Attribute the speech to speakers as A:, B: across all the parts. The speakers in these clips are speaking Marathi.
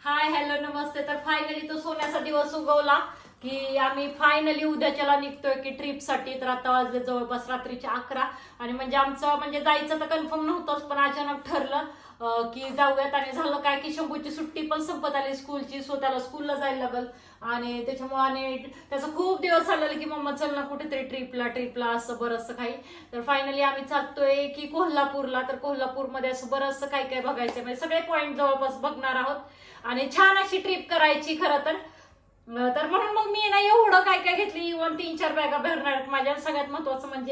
A: हाय हॅलो नमस्ते. तर फायनली तो सोन्याचा दिवस उगवला की आम्ही फायनली उद्याच्याला निघतोय की ट्रिपसाठी. तर आता वाजले जवळपास रात्रीचे 11 आणि म्हणजे आमचं म्हणजे जायचं तर कन्फर्म नव्हतंच, पण अचानक ठरलं की जाऊयात. आणि झालं काय की शंभूची सुट्टी पण संपत आली स्कूलची, सो त्याला स्कूलला जायला लागल आणि त्याच्यामुळे आणि त्याचं खूप दिवस झालेलं की मम्मा चल ना कुठेतरी ट्रिपला असं बरंचसं काही. तर फायनली आम्ही चालतोय की कोल्हापूरला. तर कोल्हापूरमध्ये असं बरंचसं काय काय बघायचं, म्हणजे सगळे पॉईंट जवळपास बघणार आहोत आणि छान अशी ट्रिप करायची खरं तर. तर म्हणून मग मी ना एवढं काय काय घेतली, इव्हन 3-4 बॅगा भरणार आहेत माझ्या. सगळ्यात महत्वाचं म्हणजे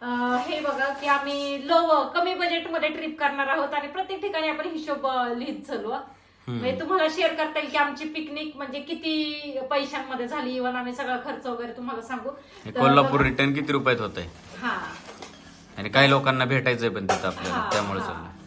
A: हे बघा की आम्ही कमी बजेटमध्ये ट्रिप करणार आहोत आणि प्रत्येक ठिकाणी आपण हिशोब लिहित चालू. म्हणजे तुम्हाला शेअर करता येईल की आमची पिकनिक म्हणजे किती पैशांमध्ये झाली, इव्हन आम्ही सगळा खर्च वगैरे तुम्हाला सांगू.
B: कोल्हापूर रिटर्न किती रुपयात होतंय
A: हा
B: आणि काही लोकांना भेटायचंय पण तिथं आपल्याला, त्यामुळे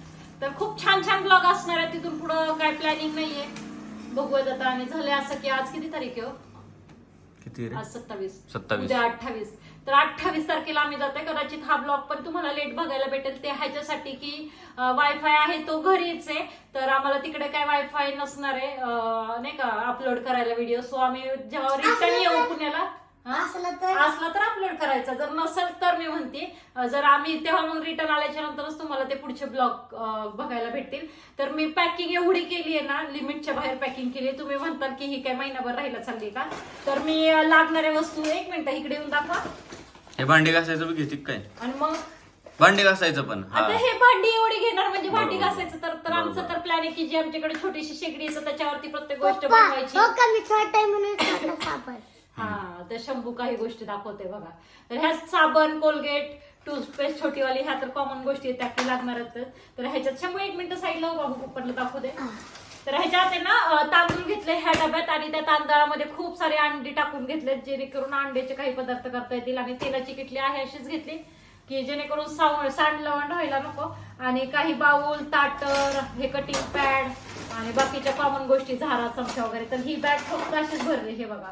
A: तर खूप छान छान ब्लॉग असणार आहे. तिथून पुढं काय प्लॅनिंग नाहीये, बघूयात आता. आणि झाले असं की आज किती तारीख आहे?
B: किती रे?
A: आज 27.
B: 27.
A: उद्या 28. तर 28 तारखेला आम्ही जातोय. कदाचित हा ब्लॉग पण तुम्हाला लेट बघायला भेटेल. ते ह्याच्यासाठी की वायफाय आहे तो घरीच आहे, तर आम्हाला तिकडे काय वायफाय नसणार आहे नाही का अपलोड करायला व्हिडिओ. सो आम्ही जेव्हा रिटर्न येऊ पुण्याला असला तर अपलोड करायचा, जर नसेल तर मी म्हणते जर आम्ही तेव्हा मग रिटर्न आल्याच्या नंतरच तुम्हाला ते पुढचे ब्लॉग बघायला भेटतील. तर मी पॅकिंग एवढी केली आहे ना, लिमिटच्या बाहेर पॅकिंग केली. तुम्ही म्हणताल की ही काय महिनाभर राहायला चालली का? तर मी लागणाऱ्या वस्तू 1 मिनिट इकडे येऊन दाखवा.
B: हे भांडी घासायचं बी घेते काय?
A: आणि मग
B: भांडी घासायचं पण
A: आता हे भांडी एवढी घेणार म्हणजे भांडी
B: बरोबर.
A: घासायचं तर आमचं तर प्लॅन आहे की जी आमच्याकडे छोटीशी शेगडी आहे त्याच्यावरती प्रत्येक गोष्ट
C: पप्पा,
A: बनवायची.
C: हो का मी छोटा आहे म्हणून छोटा साबण.
A: हा तर शंभू काही गोष्टी दाखवते बघा. तर ह्या साबण, कोलगेट, टूथपेस्ट छोटीवाली, ह्या तर कॉमन गोष्टी आहेत, त्या लागणार आहेत. तर ह्याच्यात शंभू 1 मिनिट साईडला बाबू पप्पाला दाखवू दे. तर ह्याच्यात आहे ना तांदूळ घेतले ह्या डब्यात आणि त्या तांदळामध्ये खूप सारे अंडी टाकून घेतलेत जेणेकरून अंड्याचे काही पदार्थ करता येतील. आणि तेलाची किटली आहे अशीच घेतली की जेणेकरून सांडलवण व्हायला नको. आणि काही बाऊल, ताटर, हे कटिंग पॅड आणि बाकीच्या कॉमन गोष्टी, झारा, चमचा वगैरे. तर ही बॅग फक्त अशीच भरली, हे बघा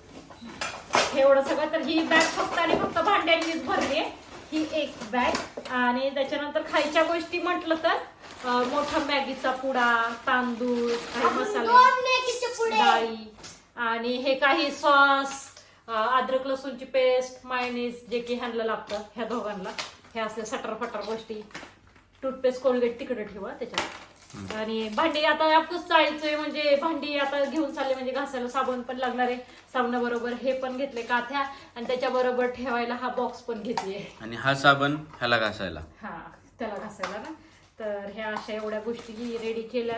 A: एवढं सगळं. तर ही बॅग फक्त आणि फक्त भांड्यांनीच भरली आहे ही एक बॅग. आणि त्याच्यानंतर खायच्या गोष्टी म्हटलं तर मोठा मॅगीचा पुडा, तांदूळ, काही मसाले, डाळी आणि हे काही सॉस, अद्रक लसूणची पेस्ट, मायोनीज जे की ह्यांना लागतं ह्या दोघांना. हे असले सटर गोष्टी. टूथपेस्ट, कोलगेट तिकडे ठेवा त्याच्यात. आणि भांडी आता आपणच चाळीचंय म्हणजे भांडी आता घेऊन चालले म्हणजे घासायला साबण पण लागणार आहे. साबणाबरोबर हे पण घेतले काथ्या आणि त्याच्याबरोबर ठेवायला हा बॉक्स पण घेतलीये.
B: आणि हा साबण ह्याला घासायला,
A: हा त्याला घासायला ना. तर ह्या अशा एवढ्या गोष्टी रेडी केल्या.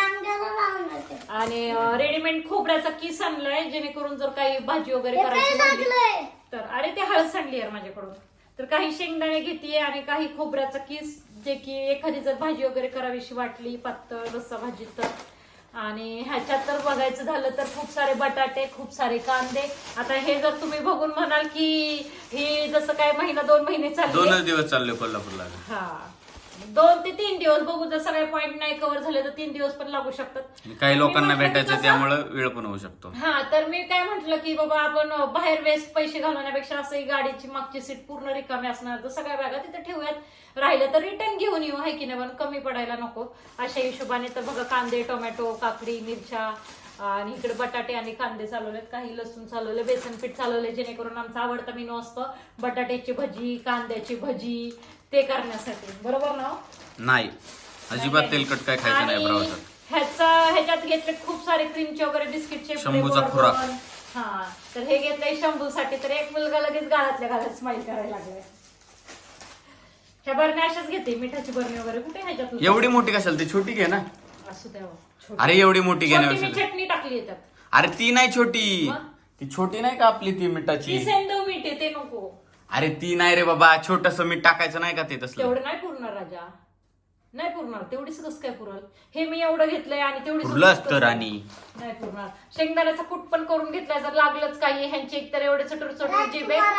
A: आणि रेडीमेड खोबऱ्याचा किस आणलाय जेणेकरून जर काही भाजी वगैरे करायची तर. अरे ते हळद सांडली आहे माझ्याकडून. तर काही शेंगदाणे घेतेय आणि काही खोबऱ्याचा किस, जे की एखादी जर भाजी वगैरे करावीशी वाटली पातळ रस्सा भाजी तर. आणि ह्याच्यात तर बघायचं झालं तर खूप सारे बटाटे, खूप सारे कांदे. आता हे जर तुम्ही बघून म्हणाल की हे जसं काय 1-2 महिने चालले,
B: 2च दिवस चालले कोल्हापूरला.
A: हा 2 ते 3 दिवस बघू. जर सगळे पॉईंट नाही कव्हर झाले तर 3 दिवस पण लागू शकतात.
B: काही लोकांना भेटायचं त्यामुळे वेळ पण होऊ शकतो.
A: हा तर मी काय म्हंटल की बाबा आपण बाहेर वेस्ट पैसे घालवण्यापेक्षा असं गाडीची मागची सीट पूर्ण रिकामी असणार तर सगळ्या बॅगा तिथे ठेवूयात. राहिलं तर रिटर्न घेऊन येऊ, आहे की नाही, पण कमी पडायला नको अशा हिशोबाने. तर बघा कांदे, टोमॅटो, काकडी, मिरच्या आणि इकडे बटाटे आणि कांदे चालवलेत, काही लसूण चालवले, बेसन पीठ चालवले जेणेकरून आमचा आवडता मेनू असतो बटाट्याची भजी, कांद्याची भजी, ते करण्यासाठी. बरोबर ना?
B: नाही अजिबात तेलकट काय खायचं नाही प्रवासात.
A: ह्याच्यात घेतले खूप सारे क्रीमचे वगैरे बिस्किटचे
B: शंभूचा खुराक.
A: हा तर हे घेतलंय शंभूसाठी. तर एक मुलगा लगेच गाळातल्या गाळात स्माइल करायला लागलाय. ह्या बरण्या अशाच घेते, मिठाची बरणी वगैरे कुठे ह्याच्यात.
B: एवढी मोठी कशाला, ती छोटी घे ना.
A: असू द्यावं.
B: अरे एवढी मोठी
A: मी
B: घेण्यापेक्षा
A: चटणी टाकली येतात.
B: अरे ती नाही छोटी,
A: मग?
B: ती छोटी नाही का आपली ती मिठाची.
A: सेंदव मीठ आहे ते नको.
B: अरे ती नाही रे बाबा, छोटस मीठ टाकायचं नाही का ते तसलं.
A: तेवढं नाही पुरणार राजा, नाही पुरणार. तेवढीच कसं काय पुरल? हे मी एवढं घेतलंय आणि तेवढीच
B: पुरलंच तर. आणि
A: नाही पुरणार. शेंगदाण्याचा कूट पण करून घेतलाय जर लागलंच काही. ह्यांची एकतर एवढे चटूर जीभ आहे.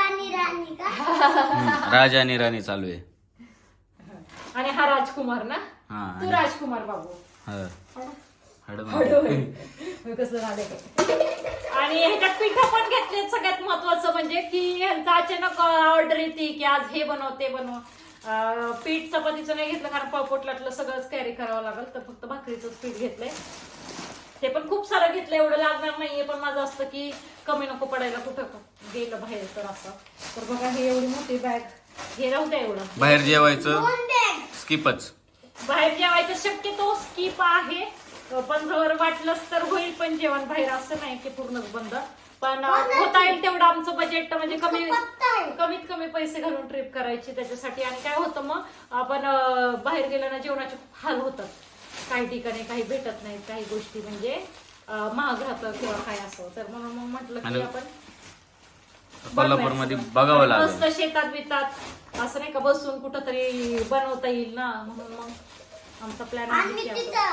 B: राजा आणि राणी चालू आहे.
A: आणि हा राजकुमार ना,
B: हा
A: तू राजकुमार बाबू. कसं झालं. आणि ह्याच्यात पिठं पण घेतले. सगळ्यात महत्वाचं म्हणजे की ह्यांचा अचानक ऑर्डर येते की आज हे बनव ते बनव. पीठ चपातीचं नाही घेतलं कारण पोटलातलं सगळंच कॅरी करावं लागेल, तर फक्त भाकरीचंच पीठ घेतलंय. ते पण खूप सारं घेतलं, एवढं लागणार नाहीये, पण माझं असतं की कमी नको पडायला कुठं गेलं बाहेर तर असं. तर बघा ही एवढी मोठी बॅग, हे राहू द्या एवढं.
B: बाहेर जेवायचं स्किपच.
A: बाहेर जेवायचं शक्यतो स्किप आहे, पण जर वाटलंच तर होईल पण जेवण बाहेर, असं नाही की पूर्णच बंद. पण होता येईल तेवढं आमचं बजेट म्हणजे कमीत कमी पैसे घालून ट्रिप करायची त्याच्यासाठी. आणि काय होतं मग आपण बाहेर गेल्यानं जेवणाचे खूप हाल होतात, काही ठिकाणी काही भेटत नाही, काही गोष्टी म्हणजे महाग राहतं किंवा काय असं. तर म्हणून मग म्हटलं की आपण
B: कोल्हापूरमध्ये बघावं लागेल,
A: मस्त शेतात बितात असं नाही का बसून कुठं तरी बनवता येईल ना, म्हणून मग आमचा प्लॅन आहे.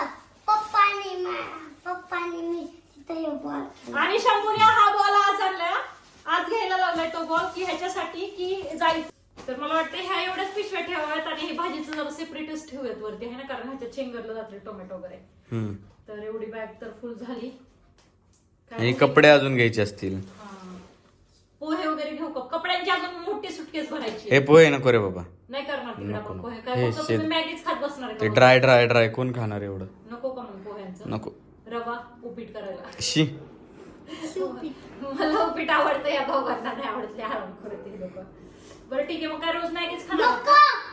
C: पप्पानी मी तिथे बॉल
A: आणि शंभूने हा बॉल आज आणला, आज घ्यायला लागलाय तो बॉल की ह्याच्यासाठी की जायचं. तर मला वाटतं ह्या एवढ्याच पिशव्या ठेवाव्यात आणि हे भाजीचं जरा सेपरेटच ठेवूयात वरती आहे ना, कारण ह्याच्यात शेंगरलं जाते टोमॅटो वगैरे. तर एवढी बॅग तर फुल झाली.
B: आणि कपडे अजून घ्यायचे असतील.
A: पोहे वगैरे घेऊ का? कपड्यांची अजून मोठी सुटकेस भरायची.
B: हे पोहे नको रे बाबा,
A: नाही करणार तिकडे आपण पोहे,
B: हे
A: काय फक्त तुम्ही मॅगीच खात बसणार आहे
B: ते
A: का?
B: ड्राय ड्राय ड्राय कोण खाणार एवढं?
A: नको का मग पोह्यांचं?
B: नको.
A: रवा उपीट करायला.
B: शी,
A: मला उपीट आवडतं, या दोघांना नाही आवडत, आराम करत हे लोक. बरं ठीक आहे, मग काय रोज मॅगीच खाणार?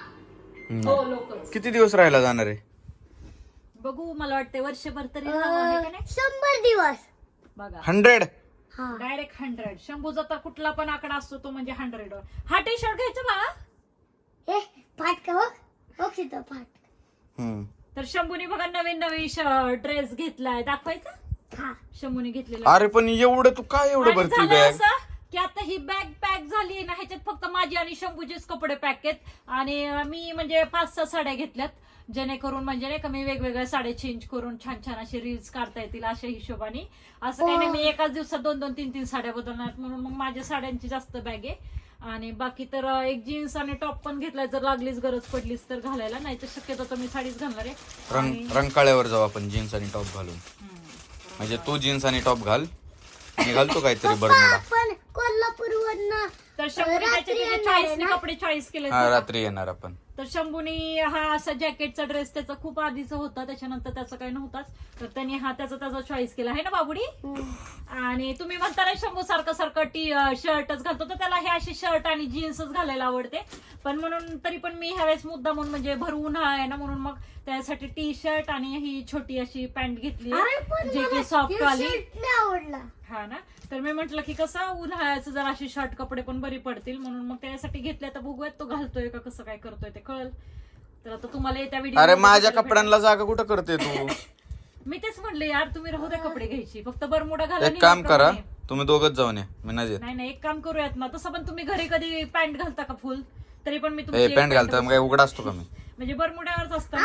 A: हो लोकच.
B: किती दिवस राहायला जाणार आहे?
A: बघू, मला वाटतंय वर्षभर तरी राहणार आहे का नाही?
C: 100 दिवस
A: बघा
B: 100.
A: डायरेक्ट 100. शंभूचा तर कुठला पण आकडा असतो तो म्हणजे 100. हा टी शर्ट घ्यायचा बाळा.
C: हे फाटका बघ तिथं फाटका.
A: तर शंभूने बघा नवीन ड्रेस घेतलाय, दाखवायचा. शंभूने घेतलेला.
B: अरे पण एवढं तू काय एवढं भरती
A: झालं
B: बॅग?
A: असं की आता ही बॅग पॅक झाली ना, ह्याच्यात फक्त माझी आणि शंभूचेच कपडे पॅक आहेत. आणि मी म्हणजे 5-6 साड्या घेतल्यात, जेणेकरून म्हणजे नाही का मी वेगवेगळ्या साड्या चेंज करून छान छान असे रील्स काढता येतील अशा हिशोबाने. असं काही नाही मी एकाच दिवसात 2-2, 3-3 साड्या बदलणार, म्हणून मग माझ्या साड्यांची जास्त बॅग आहे. आणि बाकी तर एक जीन्स आणि टॉप पण घेतलाय, जर लागलीच गरज पडलीच तर घालायला, नाही तर शक्यतो तर मी साडीच घालणार आहे.
B: रंकाळ्यावर जाऊ आपण जीन्स आणि टॉप घालून. म्हणजे तू जीन्स आणि टॉप घाल, मी घालतो काहीतरी बरमुडा.
C: आपण कोल्हापूरवरनं
A: तर शंभूने त्याच्या चॉईसने कपडे चॉईस केले.
B: हा रात्री येणार आपण.
A: तर शंभूनी हा असा जॅकेटचा ड्रेस त्याचा खूप आधीचा होता, त्याच्यानंतर त्याचा काही नव्हताच, तर त्यांनी हा त्याचा चॉईस केला आहे ना बाबुडी. आणि तुम्ही म्हणता ना शंभू सारखं टी शर्टच घालतो, तर त्याला हे असे शर्ट आणि जीन्सच घालायला आवडते. पण म्हणून तरी पण मी ह्यावेळेस मुद्दा म्हणून म्हणजे भर उन्हाळा आहे ना, म्हणून मग त्यासाठी टी शर्ट आणि ही छोटी अशी पॅन्ट घेतली जे की सॉफ्ट वाली
C: आवडला.
A: हा ना, तर मी म्हंटल की कसं उन्हाळ्याचं जर अशी शर्ट कपडे पण बरी पडतील, म्हणून मग त्यासाठी घेतले. तर बघूयात तो घालतोय का कसं काय करतोय ते कळल. तर आता तुम्हाला येत्या व्हिडिओ.
B: अरे माझ्या कपड्यांना जागा कुठं करते तू?
A: मी तेच म्हणले यार, तुम्ही राहू द्या कपडे घ्यायची, फक्त बरमुडा घाला.
B: एक काम करा, तुम्ही दोघच जाऊन या, मी नाही येत.
A: नाही एक काम करूयात ना, तसं पण तुम्ही घरी कधी पॅन्ट घालता का फुल? तरी पण मी
B: पॅन्ट घालता काय उघडा असतो का मी?
A: म्हणजे बरमुड्यावरच असतं.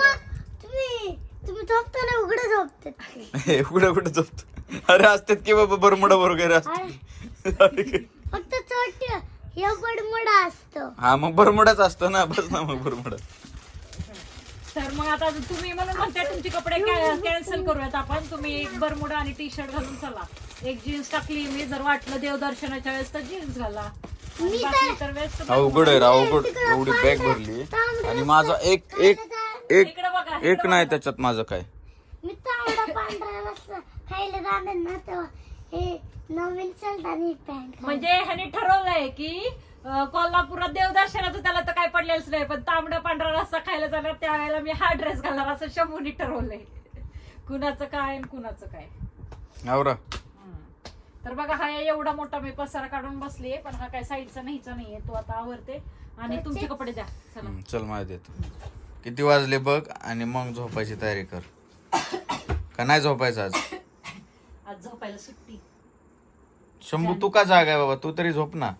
C: तुम्ही झोपताना उघडं झोपतात.
B: उघडं कुठं झोपतो? अरे असतात की बाबा बरमुडा वगैरे असते.
C: फक्त छोट हे बडमुडा असतो.
B: हा मग बरमुडाच असतो ना, बस ना मग बरमुडा.
A: तर मग आता तुम्ही म्हणून म्हणते तुमचे कपडे कॅन्सल करूयात आपण. तुम्ही एक बरमुडा आणि टी शर्ट घालून चला. एक जीन्स टाकली मी, जर वाटलं देवदर्शनाच्या वेळेस तर जीन्स घाला.
B: अवघड आहे अवघड, एवढी बॅग भरली आणि माझा एक नाही त्याच्यात माझं काय.
C: मी तांबडा पांढरा रस्सा खायला जाणार ना, तेव्हा हे नवीन शर्ट आणि पॅन्ट.
A: म्हणजे ह्याने ठरवलंय की कोल्हापुरात देवदर्शनात त्याला तर काय पडलेलंच नाही, पण तांबडा पांढरा रस्सा खायला जाणार त्यावेळेला मी हा ड्रेस घालणार असं शंभूनी ठरवलंय. कुणाचं काय आणि कुणाचं काय.
B: आवरा.
A: तर बघा हा एवढा मोठा मी पसारा काढून बसलीये, पण हा काय साईडचा नाहीचा नाहीये, तो आता आवरते. आणि तुमचे कपडे द्या चला.
B: चल माझ्या देतो. किती वाजले बघ आणि मग झोपायची तयारी कर. का नाही झोपायचं
A: आज झोपायला सुट्टी.
B: शंभू तू का जागा आहे बाबा, तू तरी झोप ना.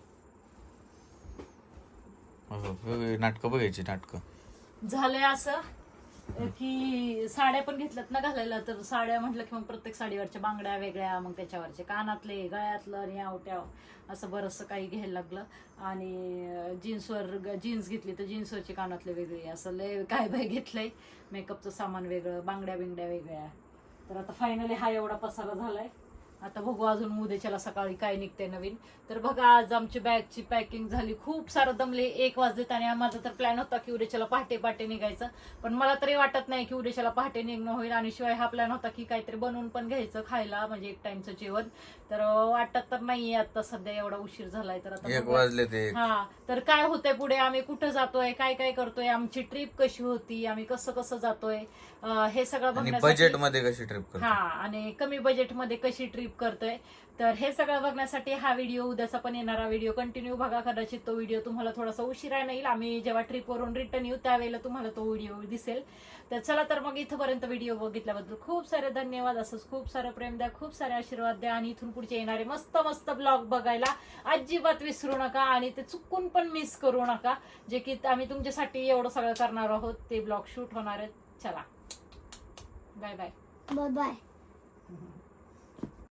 B: नाटकं बघायची नाटकं.
A: झालंय असं की साड्या पण घेतल्यात ना घालायला, तर साड्या म्हटलं की मग प्रत्येक साडीवरच्या बांगड्या वेगळ्या, मग त्याच्यावरचे कानातले, गळ्यातलं आणि आवट्याव असं बरंचसं काही घ्यायला लागलं. आणि जीन्स घेतली तर जीन्सवरचे कानातले वेगळे, असं लय काय बाय घेतलंय. मेकअपचं सामान वेगळं, बांगड्या बिंगड्या वेगळ्या. तर आता फायनली हा एवढा पसारा झालाय आता बघू अजून उद्याच्याला सकाळी काय निघते नवीन. तर बघा आज आमची बॅगची पॅकिंग झाली, खूप सारं दमले. 1 वाजलेत आणि माझा तर प्लॅन होता की उद्याच्याला पहाटे निघायचं, पण मला तरी वाटत नाही की उद्याच्याला पहाटे निघणं होईल. आणि शिवाय हा प्लॅन होता की काहीतरी बनवून पण घ्यायचं खायला, म्हणजे 1 टाइमचं जेवण. तर वाटत तर नाहीये आता सध्या, एवढा उशीर झालाय. तर आता
B: 1 वाजले ते.
A: हा, तर काय होतंय पुढे, आम्ही कुठं जातोय, काय काय करतोय, आमची ट्रिप कशी होती, आम्ही कसं कसं जातोय, हे सगळं
B: आणि
A: बघण्यासाठी.
B: बजेट मध्ये कशी ट्रिप करतो.
A: हा, आणि कमी बजेटमध्ये कशी ट्रिप करतोय, तर हे सगळं बघण्यासाठी हा व्हिडिओ, उद्याचा पण येणारा व्हिडिओ कंटिन्यू बघा. कदाचित तो व्हिडिओ तुम्हाला थोडासा उशिरा येईल, आम्ही जेव्हा ट्रिपवरून रिटर्न येऊ त्यावेळेला तुम्हाला तो व्हिडिओ दिसेल. तर चला, तर मग इथपर्यंत व्हिडिओ बघितल्याबद्दल खूप सारे धन्यवाद. असंच खूप सारं प्रेम द्या, खूप सारे आशीर्वाद द्या, आणि इथून पुढचे येणारे मस्त मस्त ब्लॉग बघायला अजिबात विसरू नका, आणि ते चुकून पण मिस करू नका. जे की आम्ही तुमच्यासाठी एवढं सगळं करणार आहोत, ते ब्लॉग शूट होणार आहेत. चला, बाय बाय.
C: Bye bye.